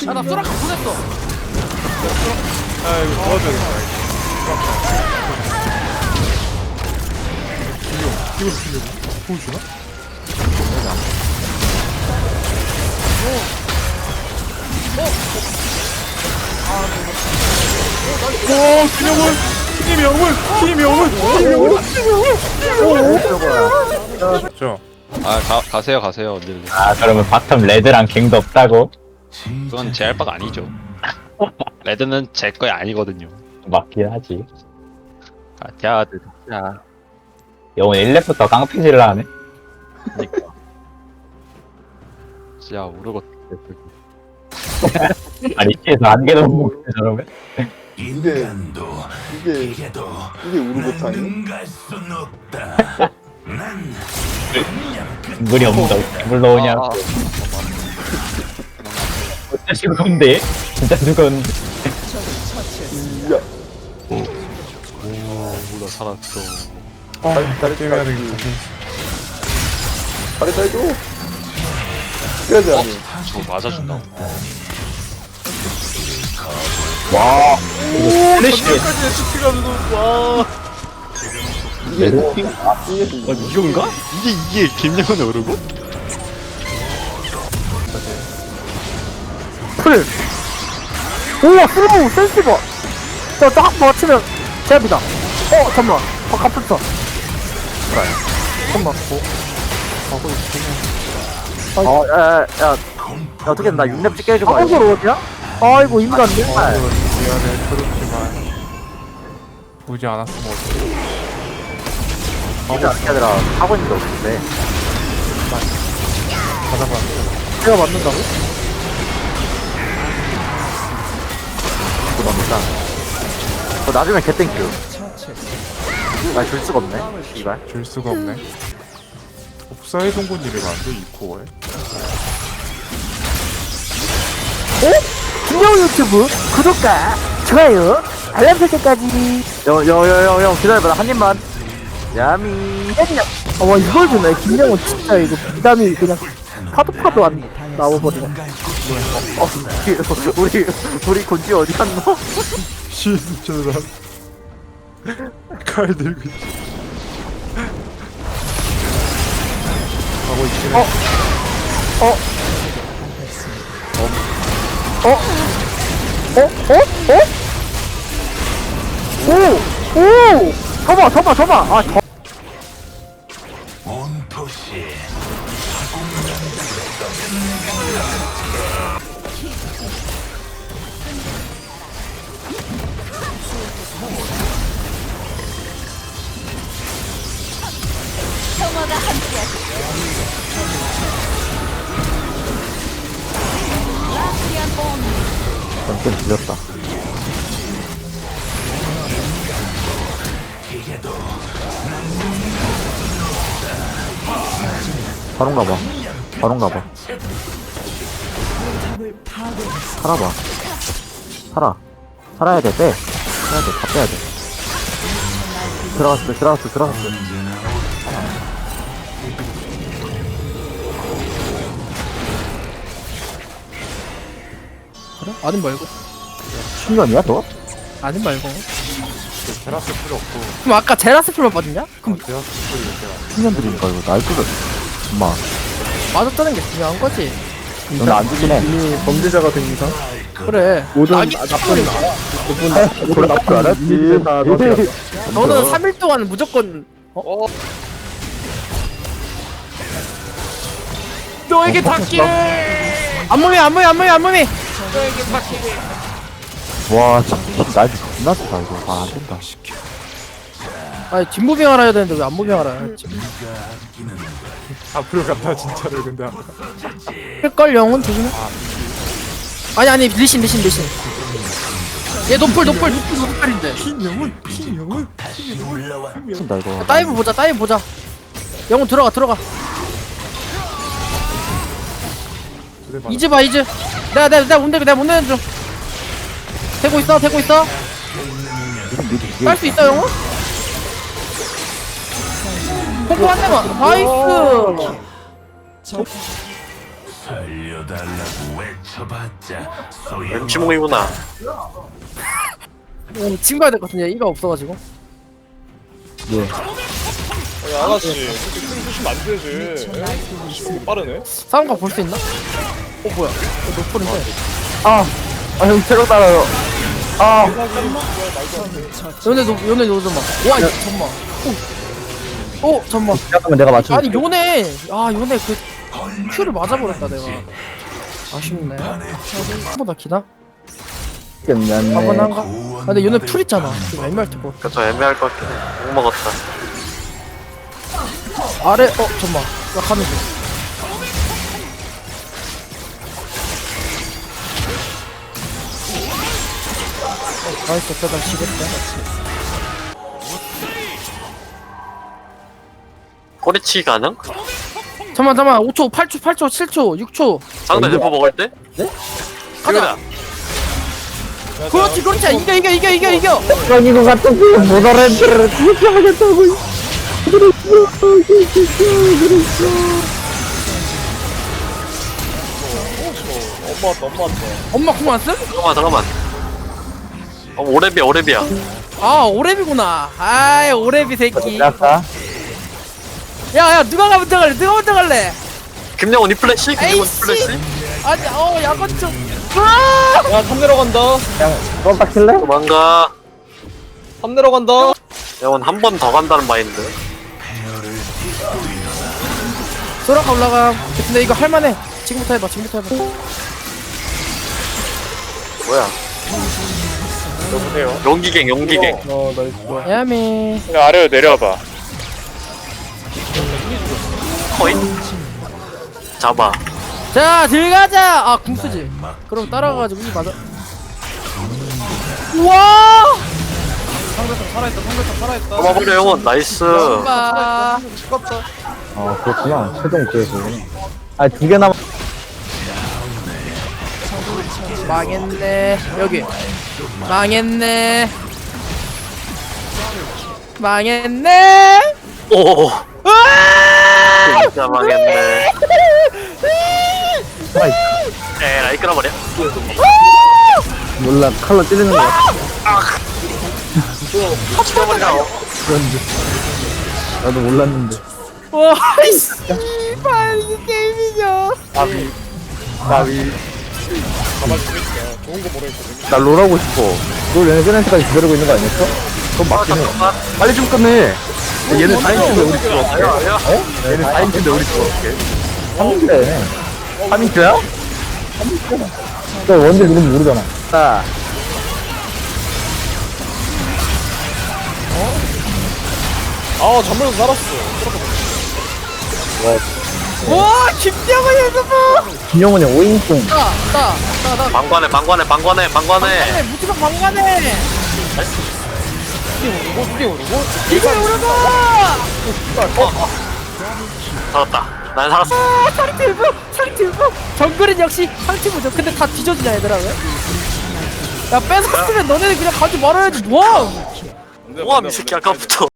나 소라카 보냈어. 아 이거 도와줘야겠다. 이거 주려고? 보여주나? 오, 김영훈! 김영훈! 김영훈! 김영훈! 저 아 가세요 언니들. 아 그러면 바텀 레드랑 갱도 없다고? 그건 제 할 바가 아니죠. 레드는 제 거야 아니거든요. 맞긴 하지. 야 진짜. 영훈 1렙부터 깡패질을 하네. 진짜 모르고. 아니 뒤에서 한 개도 못 먹네 저러면. 이게 우르고탕이? 물이 없는다. 물 넣으냐? 진짜 죽었는데? 진짜 죽었는데? 야, 나 살았어. 게임 해야 되겠다. 잘했다 해줘. 해야지 아니. 저거 맞아준다. 와. 이거 플래시. 까지 예측해가지고 와. 이게 이게 이건가? 이게 김영훈의 오르고? 풀. 우와 슬로우 센시버. 저딱 맞추면 제압이다. 잠깐만. 갑분터. 잠깐만. 야, 어떻게 나 6렙 찍게 해줘봐. 이걸 어디야? 아이고 인간 내 미안해, 그렇지만 보지 않았으면 어떡해. 진짜 얘들아 하고 있는 게 없는데. 받아봤는데 내가 맞는다고? 그거 너무 짱. 나중에 개땡큐. 나 줄 수가 없네. 이발. 줄 수가 없네. 복사의 동군이를 만들 이 코어에. 김영 유튜브 구독과 좋아요 알람 설정까지. 형 기다려봐. 나 한 입만. 야미. 와 이걸 주네. 김영은 진짜 이거 비담이 그냥 파도 안 나와버리네. 우리 곤지 어디 갔노? 진짜라. 칼 들고 있지. 하고 있긴 해. 오! 접어! 아, 좀 질렸다. 바론가 봐. 살아. 살아야 돼. 빼. 다 빼야 돼. 들어갔어. 아님 말고. 신년이야 너? 아님 말고. 테라스 필요 없고 그럼 아까 제라스 풀만 빠졌냐? 그럼 테라스 필요 없고 신년들이니까 이거 날 뚫어. 엄마. 맞았다는 게 중요한 거지. 너는 안 죽긴 해. 이미 범죄자가 된 이상 그래. 모든 낙이 나쁜 나. 모든 나쁜 알았지. 다 너지. 너는 3일 동안 무조건 너에게 닿기를. 안무미. 와, 진짜 날 존나 좋다 이거. 아, 안 된다. 아니 뒷무빙 알아야 되는데 왜 안무빙 알아야 했지? 앞으로 간다 진짜로. 근데 아까 할걸 영혼 조심해. 아니 리신. 얘 노플인데. 김영훈 미친다 이거. 다이브 보자. 영혼 들어가. 이즈 봐. 내가 못 내는 중. 되고 있어. 깔 수 있어 영혼? 포크 한 대만. 나이스. MC몽이구나. 지금 가야 될 것 같은데 이가 없어가지고. 아가씨 그렇게 큰 수시면 안 되지. 시간이 빠르네. 상황가 볼 수 있나? 뭐야? 노플인데. 형 체력 따라요. 요네 요즘 막. 와 잠만. 오 잠만. 잠깐만 내가 맞춰. 아니 요네 요네 그 큐를 맞아버렸다 내가. 아쉽네. 한 번 더 기나? 한번 한가? 근데 요네 풀 있잖아. 지금 애매할 테고. 그쵸, 애매할 것 같긴 해. 못 먹었다. 아래 잠만. 나 가는 중. 나이스 빼다 지겠다. 꼬리치기 가능? 잠만 5초 8초 7초 6초. 상대 대포 먹을 때? 네? 가자. 그렇지 이겨. 이거 같은 거못 알아들어. 그렇게 하겠다고. 엄마 공 안 쓴? 잠깐만. 오랩이야. 아 오랩이구나. 아이 오랩이 새끼. 아까 야야 누가 먼저 갈래? 김영훈 이 플래시? 김영훈 이 에이씨. 플래시? 아니 야건 좀. 야, 탑 내려간다. 껌딱 킬래? 도망가. 탑 내려간다. 영훈 한 번 더 간다는 마인드. 소라가 올라가. 근데 이거 할만해. 지금부터 해봐. 뭐야? 여보세요. 용기갱. 나이스. 야미. 그냥 아래로 내려와봐. 코인? 잡아. 자 들어가자. 궁수지. 그럼 따라가가지고 이 맞아. 우와. 상대탑 살아있다. 잡아버려 영훈. 나이스. 봐. 그렇구나. 최종 구에서구나. 두 개 남았. 망했네. 여기. 망했네. 오. 진짜 망했네. 에라이 끌어버려. 몰라. 칼로 찌르는 거. 끌어버리라고. 나도 몰랐는데. 와 씨발 이게 게임이냐. 나위. 가만히 있으니까 좋은 거 모르겠거든. 나 롤하고 싶어. 너 얘네 끝날 때까지 기다리고 있는 거 아니었어? 그럼 맞긴 해. 잠깐만. 빨리 좀 끝내. 얘는 4인치인데 우리 쪽 어떻게? 아야. 얘는 4인치인데 우리 쪽 어떻게? 3인데. 3인치야? 너 원딜 누군지 모르잖아. 나. 잠물에서 살았어. 와 김대호 연습부. 김영훈이 5인승. 나 방관해. 무지가 방관해. 이거 오르다. 살았다. 난 살았어. 상티브. 정글은 역시 상티브죠. 근데 다 뒤져지냐 얘들아 왜? 야 뺏었으면 너네들 그냥 가지 말아야지 뭐야. 뭐함 이 새끼 아까부터.